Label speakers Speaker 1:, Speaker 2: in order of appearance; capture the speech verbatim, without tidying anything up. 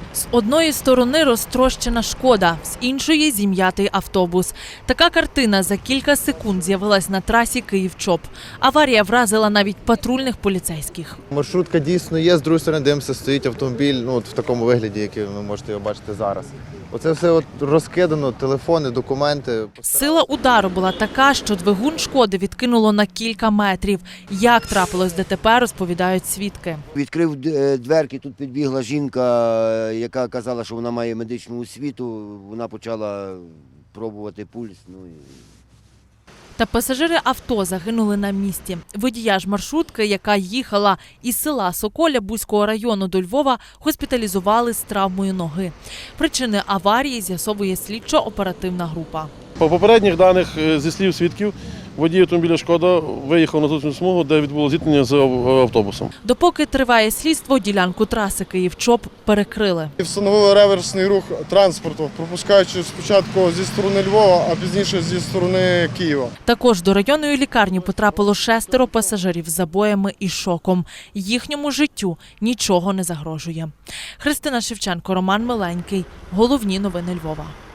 Speaker 1: З одної сторони розтрощена «Шкода», з іншої – зім'ятий автобус. Така картина за кілька секунд з'явилась на трасі Київ-Чоп. Аварія вразила навіть патрульних поліцейських.
Speaker 2: Маршрутка дійсно є, з другої сторони дивимося, стоїть автомобіль, ну от в такому вигляді, який ви можете його бачити зараз. Оце все от розкидано, телефони, документи.
Speaker 1: Сила удару була така, що двигун «Шкоди» відкинуло на кілька метрів. Як трапилось ДТП, розповідають свідки.
Speaker 3: Відкрив дверки, тут підбігла жінка, яка казала, що вона має медичну освіту. Вона почала пробувати пульс. Ну, і...
Speaker 1: Та пасажири авто загинули на місці. Водія ж маршрутки, яка їхала із села Соколя Буського району до Львова, госпіталізували з травмою ноги. Причини аварії з'ясовує слідчо-оперативна група.
Speaker 4: По попередніх даних зі слів свідків, водій автомобіля «Шкода» виїхав на зустрічну смугу, де відбуло зіткнення з автобусом.
Speaker 1: Допоки триває слідство, ділянку траси Київ-Чоп перекрили.
Speaker 5: Встановили реверсний рух транспорту, пропускаючи спочатку зі сторони Львова, а пізніше зі сторони Києва.
Speaker 1: Також до районної лікарні потрапило шестеро пасажирів з забоями і шоком. Їхньому життю нічого не загрожує. Христина Шевченко, Роман Миленький. Головні новини Львова.